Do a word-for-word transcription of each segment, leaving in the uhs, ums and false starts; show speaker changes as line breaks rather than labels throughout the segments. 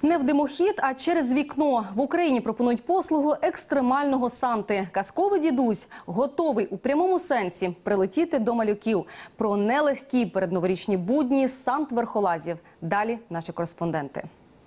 Не в димохід, а через вікно. В Україні пропонують послугу екстремального Санти. Казковий дідусь готовий у прямому сенсі прилетіти до малюків. Про нелегкі передноворічні будні сант-верхолазів. Далі наші кореспонденти.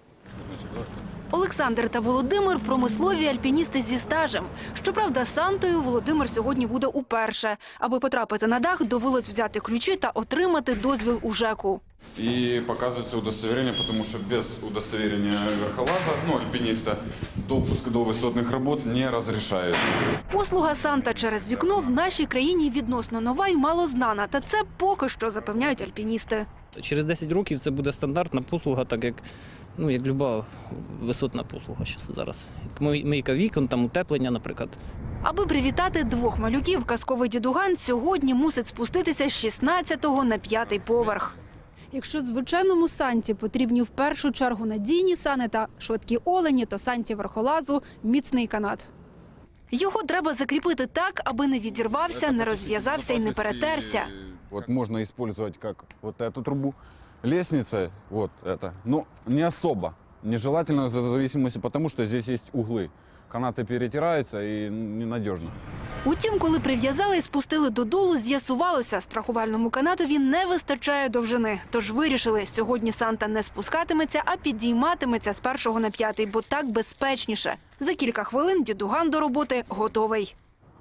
Олександр та Володимир – промислові альпіністи зі стажем. Щоправда, Сантою Володимир сьогодні буде уперше. Аби потрапити на дах, довелось взяти ключі та отримати дозвіл у ЖЕКу.
И показывается удостоверение, потому что без удостоверения верхолаза, ну, альпиниста, допуск до высотных работ не разрешается.
Послуга Санта через вікно в нашій країні відносно нова і малознана. Та це поки що запевняють альпіністи.
Через десять років це буде стандартна послуга, так як, ну, як люба висотна послуга зараз. Мийка вікон, там утеплення, наприклад.
Аби привітати двох малюків, казковий дідуган сьогодні мусить спуститися з шістнадцятого на п'ятий поверх. Якщо звичайному Санті потрібні в першу чергу надійні сани та швидкі олені, то Санті верхолазу – міцний канат. Його треба закріпити так, аби не відірвався, не розв'язався і не перетерся.
Вот можно использовать как вот эту трубу. Лестница, вот это, но не особо. Нежелательно в зависимости, потому что здесь есть углы. Канаты перетираются и ненадежно.
Утім, коли прив'язали і спустили додолу, з'ясувалося, страхувальному канатові не вистачає довжини. Тож вирішили, сьогодні Санта не спускатиметься, а підійматиметься з першого на п'ятий, бо так безпечніше. За кілька хвилин дідуган до роботи готовий.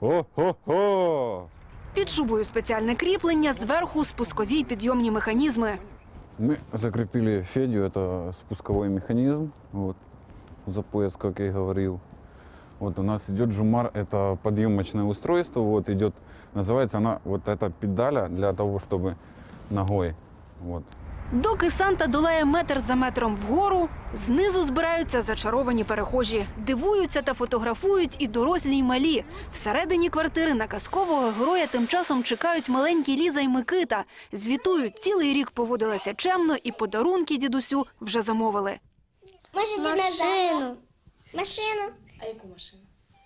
О-хо-хо!
Під шубою спеціальне кріплення, зверху спускові підйомні механізми.
Мы закрепили Федю, это спусковой механизм, вот, за пояс, как я и говорил. Вот у нас идет Жумар, это подъемочное устройство, вот идет, называется она вот эта педаля для того, чтобы ногой, вот.
Доки Санта долає метр за метром вгору, знизу збираються зачаровані перехожі. Дивуються та фотографують і дорослі, й малі. Всередині квартири на казкового героя тим часом чекають маленькі Ліза й Микита. Звітують, цілий рік поводилася чемно і подарунки дідусю вже замовили.
Може, машину. Машину.
А яку машину?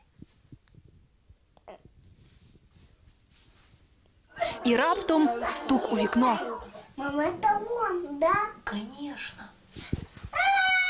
І раптом стук у вікно.
Мама, это он, да?
Конечно.
А,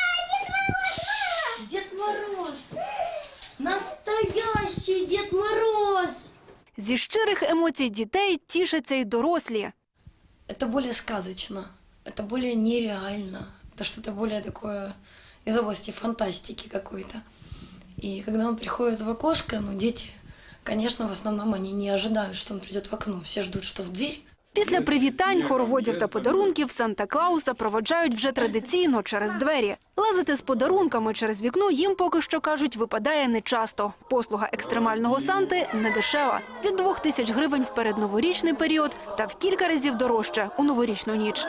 Дед Мороз!
Дед Мороз! Настоящий Дед Мороз!
Зі щирих емоцій дітей тішаться й дорослі.
Это более сказочно, это более нереально, это что-то более такое из области фантастики какой-то. И когда он приходит в окошко, ну, дети, конечно, в основном они не ожидают, что он придет в окно, все ждут, что в дверь.
Після привітань, хороводів та подарунків Санта-Клауса проводжають вже традиційно через двері. Лазити з подарунками через вікно їм поки що, кажуть, випадає нечасто. Послуга екстремального Санти не дешева. Від двох тисяч гривень в передноворічний період та в кілька разів дорожче у новорічну ніч.